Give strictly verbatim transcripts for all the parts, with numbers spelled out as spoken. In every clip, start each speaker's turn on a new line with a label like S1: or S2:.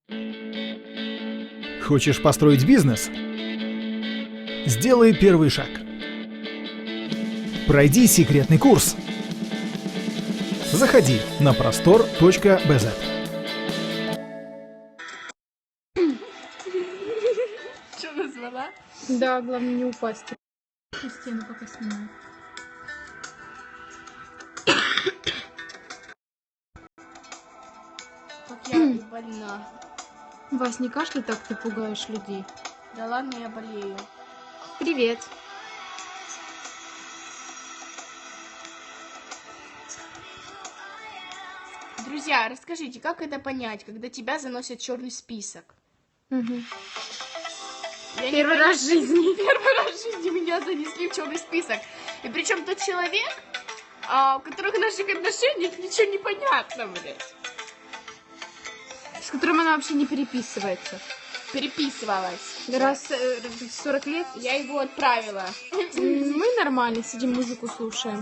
S1: Хочешь построить бизнес? Сделай первый шаг. Пройди секретный курс. Заходи на простор точка би зет.
S2: Что назвала?
S3: Да, главное не упасть. Стену пока снимаю.
S2: Как я больна.
S3: Вась, не кашляй так, ты пугаешь людей.
S2: Да ладно, я болею.
S3: Привет.
S2: Друзья, расскажите, как это понять, когда тебя заносят в черный список?
S3: Угу.
S2: Я
S3: Первый
S2: не
S3: раз в жизни.
S2: Первый раз в жизни меня занесли в черный список. И причем тот человек, а, у которых в наших отношениях ничего не понятно, блядь.
S3: С которым она вообще не переписывается.
S2: Переписывалась.
S3: Раз э, в сорок лет.
S2: Я его отправила.
S3: М, Мы нормально сидим, музыку слушаем.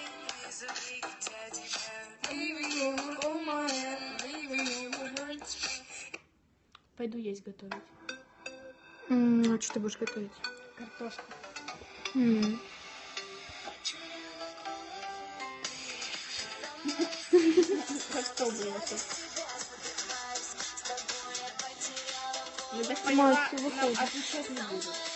S2: Пойду есть готовить.
S3: М, А что ты будешь готовить?
S2: Картошку.
S3: М.
S2: А что было тут? Ну так
S3: Мать,
S2: поняла,
S3: ты
S2: нам
S3: выходишь.
S2: отвечать не буду.